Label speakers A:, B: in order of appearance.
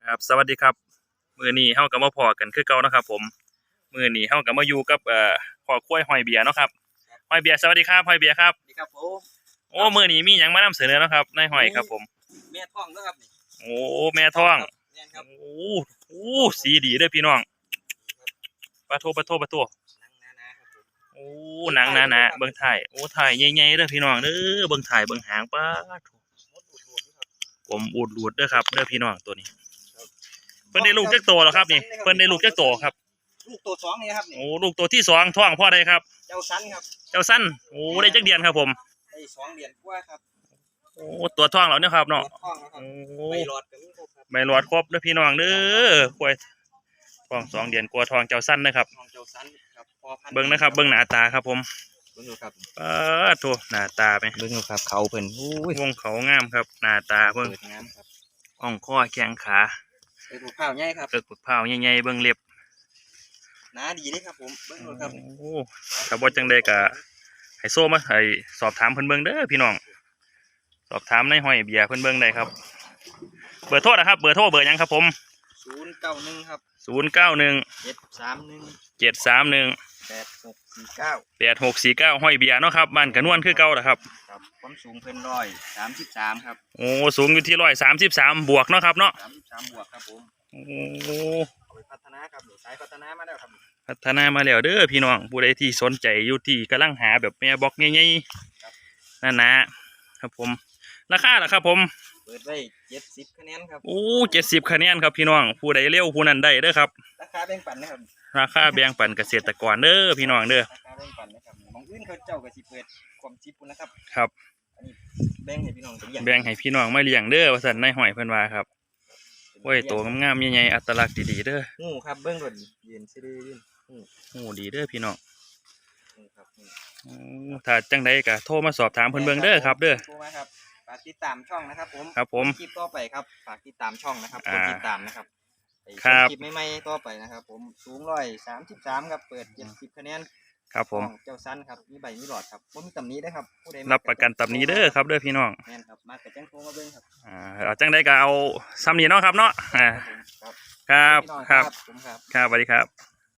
A: ครับสวัสดีครับมื้อนี้เฮาก็มาพอกันคือเก่านะครับผมมื้อนี้เฮาก็มาอยู่กับพ่อค้วยหอยเบียร์เนาะครับหอยเบียร์สวัสดีครับหอยเบียร์ครับ
B: นี่ครับผม
A: โอ้มื้อนี้มีหยังมานำเสนอเนาะครับนายหอยครับผม
B: แม่ท้องนะครับนี่
A: โอ้แม่ท้อง
B: แม่นครับ
A: โอ้โอ้สีดีเด้อพี่น้องปะโทโอ้หนังหนาๆเบิ่งถ่ายโอ้ถ่ายใหญ่ๆเด้อพี่น้องเด้อเบิ่งถ่ายเบิ่งหางปะโถผมอูดหลุดเด้อครับเด้อพี่น้องตัวนี้เพิ่นได้ลูกจักโตแล้วครับนี่เพิ่นได้ลูกจักโตครับ
B: ลูกตัวสองนี่ครับนี่
A: โอ้ลูกตัวที่สองท้องพ่อใดครับ
B: เจ้าสันครับ
A: เจ้าสั้นโอ้ได้จักเดือนครับผม
B: ได้2 เดือนกว่าครับ
A: โอ้ตัวท้องแล้วเนี่ยครับเนาะ
B: ท้องนะครับ
A: โอ้
B: ใบหลอดก็มีครบครับ
A: ใบหลอดครบเด้อพี่น้องเด้อควายท้อง2 เดือนกว่าท้องเจ้าสั้นนะครับ
B: ท้องเจ้าสันครับพอพัน
A: เบิ่งนะครับเบิ่งหน้าตาครับผม
B: เบิ่งดูครับ
A: โถหน้าตาไป
B: เบิ่งดูครับเขาเพิ่น
A: วงเขางามครับหน้าตาเบิ่ง
B: งามครับ
A: อ่องคอแข้งขา
B: เปิดข้าวใหญ่ครับ
A: เกิดปึกเผาใหญ่ๆเบิ่งเล็บ
B: หนาดีเด้ครับผมเบิ่งดูครับ
A: โอ้ถ้าบ่จังได๋ก็ให้โซ่มาให้สอบถามเพิ่นเบิ่งเด้อพี่น้องสอบถามในห้อยเบียร์เพิ่นเบิ่งได้ครับเบอร์โทรนะครับเบอร์โทรเบอร์หยังครับผม
B: 091ครับ
A: 091
B: 731
A: 731
B: 8649
A: ห้อยเบียร์เนาะครับบ้านกระนวนคือเก่าล่ะครับ
B: ครับความสูงเพิ่น133ครับ
A: โอ้สูงอยู่ที่133บวกเนาะครับเนาะ
B: 33บวกครับผม
A: โอ้
B: ไปพัฒนาครับสายพัฒนามาแล้วครับ
A: พัฒนามาแล้วเด้อพี่น้องผู้ใดที่สนใจอยู่ที่กำลังหาแบบแม่บอกใหญ่ๆนั่นนะครับผมราคาล่ะครับผม
B: เปิดไว้70คะแนนครับ
A: โอ้70คะแนนครับพี่น้องผู้ใดเร็วผู้นั้นได้เด้อครับ
B: ราคาแบ่งปันนะครับ
A: ราคาแบ่งปันเกษตรกรเด้อพี่น้องเด้อ
B: ราคาแบ่งปันนะครับบางอื่นเขาเจ้าก็สิเปิดความชิปนะครับ
A: ครับ
B: อันนี้แบ่งให้พี่น้อง
A: แบ่งให้พี่น้องมาเลี้ยงเด้อว่าซั่นนายห้อยเพิ่นว่าครับโอ้ยตัวงามๆใหญ่ๆอัตลักษณ์ดีๆเด้อ
B: ครับเบิ่งรถยืนซื่อยืน
A: ดีเด้อพี่น้อง
B: ครับ
A: ถ้าจังไดก็โทรมาสอบถามเพิ่นเบิ่งเด้อครับเด้อ
B: โทรมาครับฝากติดตามช่องนะครับผม
A: ครับผม
B: คลิปต่อไปครับฝากติดตามช่องนะครับกดติดตามนะครับ
A: ครับ
B: คลิปใหม่ๆต่อไปนะครับผมสูง133ครับเปิด70คะแนน
A: ครับผม
B: เจ้าสั้นครับมีใบมีหลอดครับบ่มีตำหนิได้ครับผู้ใด
A: รับประกันตำหนิเด้อครับเด้อพี่น้อง
B: แม่นครับมาแต่จังโทรมาเบิ่งครับ
A: เอาจังไดก็เอาซ้ำนี้เนาะครับเนาะครับครับสวัสดีครับ